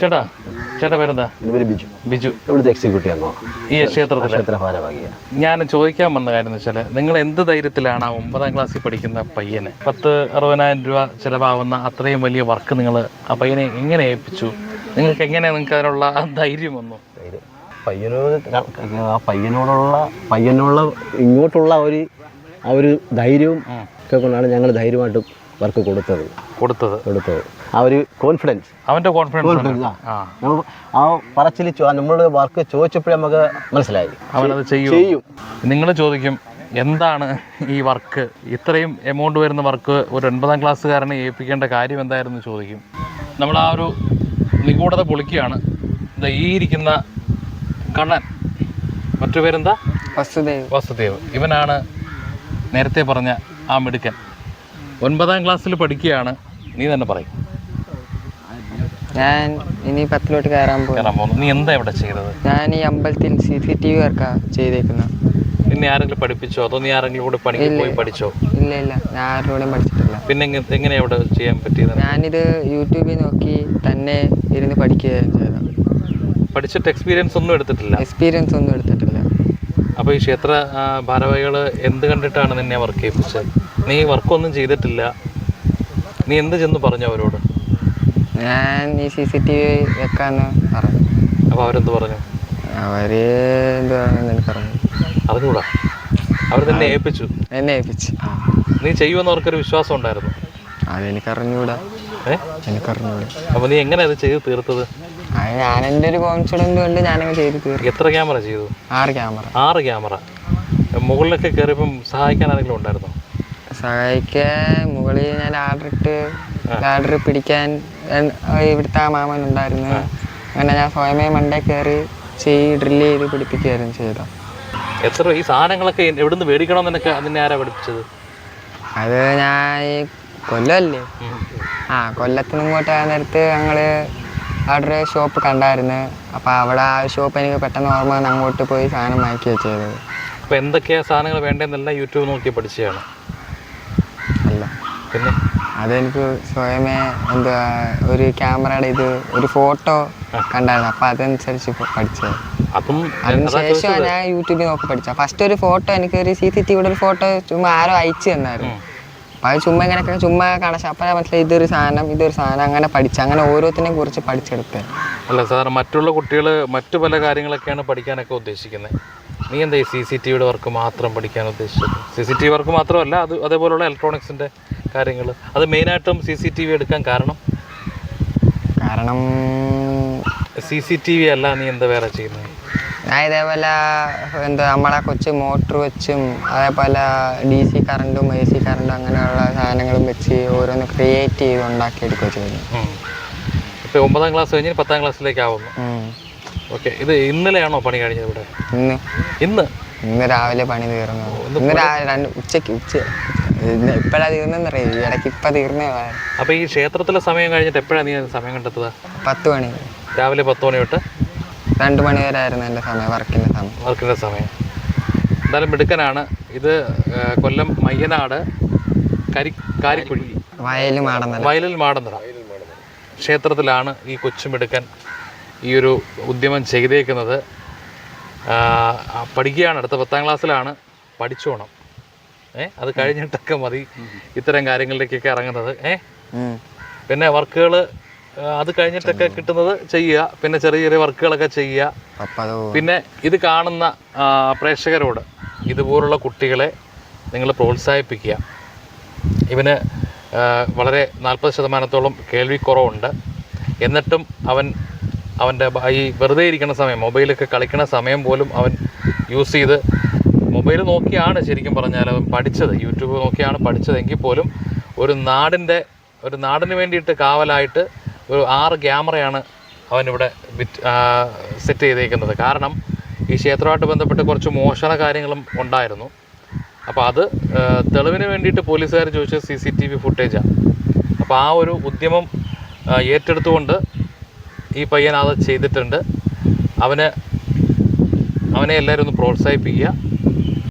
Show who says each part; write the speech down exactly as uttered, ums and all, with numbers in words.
Speaker 1: ചേട്ടാ ചേട്ടാ പേരെന്താ?
Speaker 2: ബിജു.
Speaker 1: ബിജു
Speaker 2: ഇവിടുത്തെ എക്സിക്യൂട്ടീവ്
Speaker 1: ഈ ക്ഷേത്രത്തിലെ
Speaker 2: ഭാരവാഹിയാണ്.
Speaker 1: ഞാൻ ചോദിക്കാൻ വന്ന കാര്യം എന്ന് വെച്ചാൽ നിങ്ങൾ എന്ത് ധൈര്യത്തിലാണ് ആ ഒമ്പതാം ക്ലാസ്സിൽ പഠിക്കുന്ന പയ്യനെ പത്ത് അറുപതിനായിരം രൂപ ചിലവാകുന്ന അത്രയും വലിയ വർക്ക് നിങ്ങൾ ആ പയ്യനെ എങ്ങനെ ഏൽപ്പിച്ചു? നിങ്ങൾക്ക് എങ്ങനെ നിങ്ങൾക്ക് അതിനുള്ള ധൈര്യം വന്നു?
Speaker 2: പയ്യനോട് ആ പയ്യനോടുള്ള പയ്യനോടുള്ള ഇങ്ങോട്ടുള്ള ഒരു ആ ഒരു ധൈര്യവും ഒക്കെ കൊണ്ടാണ് ഞങ്ങൾ ധൈര്യമായിട്ട് വർക്ക് കൊടുത്തത് കൊടുത്തത് കൊടുത്തത് ആ ഒരു കോൺഫിഡൻസ്, അവൻ്റെ കോൺഫിഡൻസ് ആ പറച്ചിൽ നമ്മൾ വർക്ക് ചോദിച്ചപ്പോഴേ നമുക്ക് മനസ്സിലായി
Speaker 1: അവനത് ചെയ്യും. നിങ്ങൾ ചോദിക്കും എന്താണ് ഈ വർക്ക്, ഇത്രയും എമൗണ്ട് വരുന്ന വർക്ക് ഒരു ഒൻപതാം ക്ലാസ്സുകാരനെ ഏൽപ്പിക്കേണ്ട കാര്യം എന്തായിരുന്നു ചോദിക്കും. നമ്മൾ ആ ഒരു നിഗൂഢത പൊളിക്കുകയാണ്. ഈ ഇരിക്കുന്ന കണ്ണൻ, മറ്റു പേരെന്താ?
Speaker 3: വസുദേവ്.
Speaker 1: വസുദേവ് ഇവനാണ് നേരത്തെ പറഞ്ഞ ആ മിടുക്കൻ. ഒൻപതാം ക്ലാസ്സിൽ പഠിക്കുകയാണ്. നീ തന്നെ പറയും.
Speaker 3: ഞാൻ ഇനി പത്തിലോട്ട് കയറാൻ
Speaker 1: പോകുന്നു. നീ എന്താ ഇവിടെ ചെയ്തത്?
Speaker 3: ഞാൻ ഈ അമ്പലത്തിൽ സി സി ടി വി വർക്കാണ് ചെയ്തേക്കുന്നത്.
Speaker 1: പിന്നെ ആരെങ്കിലും പഠിപ്പിച്ചോ അതോ നീ ആരെങ്കിലും കൂടെ പണിക്ക് പോയി പഠിച്ചോ?
Speaker 3: ഇല്ല ഇല്ല, ഞാൻ ആരോടും പഠിച്ചിട്ടില്ല.
Speaker 1: പിന്നെ എങ്ങനെയാ ഇവിടെ ചെയ്യാൻ പറ്റിയത്?
Speaker 3: ഞാനിത് യൂട്യൂബിൽ നോക്കി തന്നെ ഇരുന്ന് പഠിക്കുകയാണ് ചെയ്തത്.
Speaker 1: പഠിച്ചിട്ട് എക്സ്പീരിയൻസ് ഒന്നും എടുത്തിട്ടില്ല?
Speaker 3: എക്സ്പീരിയൻസ് ഒന്നും എടുത്തിട്ടില്ല.
Speaker 1: അപ്പോൾ ഈ ക്ഷേത്ര ഭാരവാഹികൾ എന്ത് കണ്ടിട്ടാണ് നിന്നെ വർക്ക് ചെയ്യിപ്പിച്ചത്? നീ വർക്കൊന്നും ചെയ്തിട്ടില്ല, നീ എന്ത് ചെന്ന് പറഞ്ഞു അവരോട്?
Speaker 3: ഞാൻ ഈ സി സി ടി വി വെക്കാന്ന് പറഞ്ഞു.
Speaker 1: അപ്പോൾ അവരെന്ത് പറഞ്ഞു?
Speaker 3: അവര് എന്ത് പറഞ്ഞു പറഞ്ഞു
Speaker 1: അറിഞ്ഞൂടാ, അവർ തന്നെ ഏൽപ്പിച്ചു.
Speaker 3: എന്നെ ഏൽപ്പിച്ചു.
Speaker 1: നീ ചെയ്യുമെന്ന് അവർക്കൊരു വിശ്വാസം ഉണ്ടായിരുന്നു?
Speaker 3: അതെനിക്കറിഞ്ഞൂടാ.
Speaker 1: ഏ
Speaker 3: എനിക്കറിഞ്ഞൂടാ.
Speaker 1: അപ്പോൾ നീ എങ്ങനെ അത് ചെയ്ത് തീർത്തത്?
Speaker 3: ഞാൻ എൻ്റെ ഒരു കോൺഫിഡൻസ് കൊണ്ട് ഞാനങ്ങ് ചെയ്ത് തീർന്നു.
Speaker 1: എത്ര ക്യാമറ ചെയ്തു?
Speaker 3: ആറ് ക്യാമറ.
Speaker 1: ആറ് ക്യാമറ. മുകളിലൊക്കെ കയറിയപ്പം സഹായിക്കാൻ ആരെങ്കിലും ഉണ്ടായിരുന്നോ?
Speaker 3: സഹായിക്കാൻ മുകളിൽ ഞാൻ ആർഡർ ഇട്ട് ലാഡർ പിടിക്കാൻ ഇവിടുത്തെ ആ മാമൻ ഉണ്ടായിരുന്നു. അങ്ങനെ ഞാൻ സ്വയമേ മണ്ടേ കയറി ചെയ്ത് ഡ്രില്ല് ചെയ്ത് പിടിപ്പിക്കുകയായിരുന്നു ചെയ്തത്.
Speaker 1: എത്ര ഈ സാധനങ്ങളൊക്കെ എവിടുന്ന് മേടിക്കണമെന്നൊക്കെ അതിനെ ആരാ പഠിപ്പിച്ചത്?
Speaker 3: അത് ഞാൻ ഈ കൊല്ലമല്ലേ, ആ കൊല്ലത്തിന് ഇങ്ങോട്ട് ആ നേരത്ത് ഞങ്ങൾ അവിടെ ഒരു ഷോപ്പ് കണ്ടായിരുന്നു. അപ്പോൾ അവിടെ ആ ഷോപ്പ് എനിക്ക് പെട്ടെന്ന് ഓർമ്മ വന്ന് അങ്ങോട്ട് പോയി സാധനം വാങ്ങിക്കുകയാണ് ചെയ്തത്.
Speaker 1: അപ്പോൾ എന്തൊക്കെയാണ് സാധനങ്ങൾ വേണ്ടതെന്നെല്ലാം യൂട്യൂബ് നോക്കി പഠിച്ചതാണ്?
Speaker 3: അല്ല,
Speaker 1: പിന്നെ
Speaker 3: അതെനിക്ക് സ്വയമേ എന്താ ഒരു ക്യാമറയുടെ ഇത് ഒരു ഫോട്ടോ കണ്ടായിരുന്നു. അപ്പോൾ അതനുസരിച്ച് പഠിച്ചത്.
Speaker 1: അതും
Speaker 3: അതിനുശേഷം ഞാൻ യൂട്യൂബിൽ നോക്കി പഠിച്ച. ഫസ്റ്റ് ഒരു ഫോട്ടോ എനിക്ക് ഒരു സി സി ടി വിയുടെ ഒരു ഫോട്ടോ ചുമ്മാ ആരോ അയച്ചു തന്നായിരുന്നു. അപ്പോൾ അത് ചുമ്മാ ഇങ്ങനെയൊക്കെ ചുമ്മാ കാണാം. അപ്പോൾ മനസ്സിലായി ഇതൊരു സാധനം ഇതൊരു സാധനം അങ്ങനെ പഠിച്ചു. അങ്ങനെ ഓരോത്തിനെ കുറിച്ച് പഠിച്ചെടുത്തത്.
Speaker 1: അല്ല സാർ, മറ്റുള്ള കുട്ടികൾ മറ്റു പല കാര്യങ്ങളൊക്കെയാണ് പഠിക്കാനൊക്കെ ഉദ്ദേശിക്കുന്നത്. നീ എന്താ ഈ സി സി ടി വിയുടെ വർക്ക് മാത്രം പഠിക്കാൻ ഉദ്ദേശിച്ചത്? C C T V work മാത്രമല്ല, അത് അതേപോലുള്ള ഇലക്ട്രോണിക്സിൻ്റെ കാര്യങ്ങൾ. അത് മെയിനായിട്ടും സി സി ടി വി എടുക്കാൻ കാരണം
Speaker 3: കാരണം
Speaker 1: സി സി ടി വി അല്ല, നീ എന്താ വേറെ ചെയ്യുന്നത്?
Speaker 3: ഞാൻ ഇതേപോലെ എന്താ നമ്മളെ കൊച്ചു മോട്ടർ വെച്ചും അതേപോലെ ഡി സി കറണ്ടും എ സി കറണ്ടും അങ്ങനെയുള്ള സാധനങ്ങളും വെച്ച് ഓരോന്ന് ക്രിയേറ്റ് ചെയ്ത് ഉണ്ടാക്കിയെടുക്കുക ചെയ്യുന്നു.
Speaker 1: ഇപ്പോൾ ഒമ്പതാം ക്ലാസ് കഴിഞ്ഞ് പത്താം ക്ലാസ്സിലേക്ക് ആവുന്നു. ഓക്കെ, ഇത് ഇന്നലെയാണോ പണി കഴിഞ്ഞത് ഇവിടെ?
Speaker 3: ഇന്ന്
Speaker 1: ഇന്ന്
Speaker 3: ഇന്ന് രാവിലെ പണി തീർന്നു. ഇന്ന് രാവിലെ രണ്ട് ഉച്ചയ്ക്ക് ഉച്ച ഇപ്പോഴാണ് തീർന്നെന്നറിയാം. ഈ ഇടയ്ക്ക് ഇപ്പം തീർന്നേ.
Speaker 1: അപ്പോൾ ഈ ക്ഷേത്രത്തിലെ സമയം കഴിഞ്ഞിട്ട് എപ്പോഴാണ് നീ സമയം കണ്ടെത്തുക?
Speaker 3: പത്ത് മണി
Speaker 1: രാവിലെ പത്ത് മണി തൊട്ട്
Speaker 3: രണ്ട് മണി വരെ ആയിരുന്നു എൻ്റെ സമയം, വർക്കിൻ്റെ സമയം.
Speaker 1: വർക്കിൻ്റെ സമയം. എന്തായാലും മിടുക്കനാണ്. ഇത് കൊല്ലം മയ്യനാട് കരി കാരിക്കുഴി
Speaker 3: വയലിൽ മാടന്നറ
Speaker 1: വയലിൽ മാടന്നറ ക്ഷേത്രത്തിലാണ് ഈ കൊച്ചുമിടുക്കൻ ഈ ഒരു ഉദ്യമം ചെയ്തേക്കുന്നത്. പഠിക്കുകയാണ്, അടുത്ത പത്താം ക്ലാസ്സിലാണ്. പഠിച്ചോണം. ഏ അത് കഴിഞ്ഞിട്ടൊക്കെ മതി ഇത്തരം കാര്യങ്ങളിലേക്കൊക്കെ ഇറങ്ങുന്നത്. ഏ പിന്നെ വർക്കുകൾ അത് കഴിഞ്ഞിട്ടൊക്കെ കിട്ടുന്നത് ചെയ്യുക. പിന്നെ ചെറിയ ചെറിയ വർക്കുകളൊക്കെ ചെയ്യുക. പിന്നെ ഇത് കാണുന്ന പ്രേക്ഷകരോട് ഇതുപോലുള്ള കുട്ടികളെ നിങ്ങൾ പ്രോത്സാഹിപ്പിക്കുക. ഇവന് വളരെ നാൽപ്പത് ശതമാനത്തോളം കേൾവിക്കുറവുണ്ട്. എന്നിട്ടും അവൻ അവൻ്റെ ഈ വെറുതെ ഇരിക്കുന്ന സമയം, മൊബൈലൊക്കെ കളിക്കുന്ന സമയം പോലും അവൻ യൂസ് ചെയ്ത് മൊബൈൽ നോക്കിയാണ് ശരിക്കും പറഞ്ഞാൽ അവൻ പഠിച്ചത്. യൂട്യൂബ് നോക്കിയാണ് പഠിച്ചതെങ്കിൽ പോലും ഒരു നാടിൻ്റെ ഒരു നാടിന് വേണ്ടിയിട്ട് കാവലായിട്ട് ഒരു ആറ് ക്യാമറയാണ് അവനിവിടെ വിറ്റ് സെറ്റ് ചെയ്തേക്കുന്നത്. കാരണം ഈ ക്ഷേത്രമായിട്ട് ബന്ധപ്പെട്ട് കുറച്ച് മോഷണ കാര്യങ്ങളും ഉണ്ടായിരുന്നു. അപ്പോൾ അത് തെളിവിന് വേണ്ടിയിട്ട് പോലീസുകാർ ചോദിച്ചത് സി സി ടി വി ഫുട്ടേജാണ്. അപ്പോൾ ആ ഒരു ഉദ്യമം ഏറ്റെടുത്തുകൊണ്ട് ഈ പയ്യൻ അത് ചെയ്തിട്ടുണ്ട്. അവന് അവനെ എല്ലാവരും ഒന്ന് പ്രോത്സാഹിപ്പിക്കുക.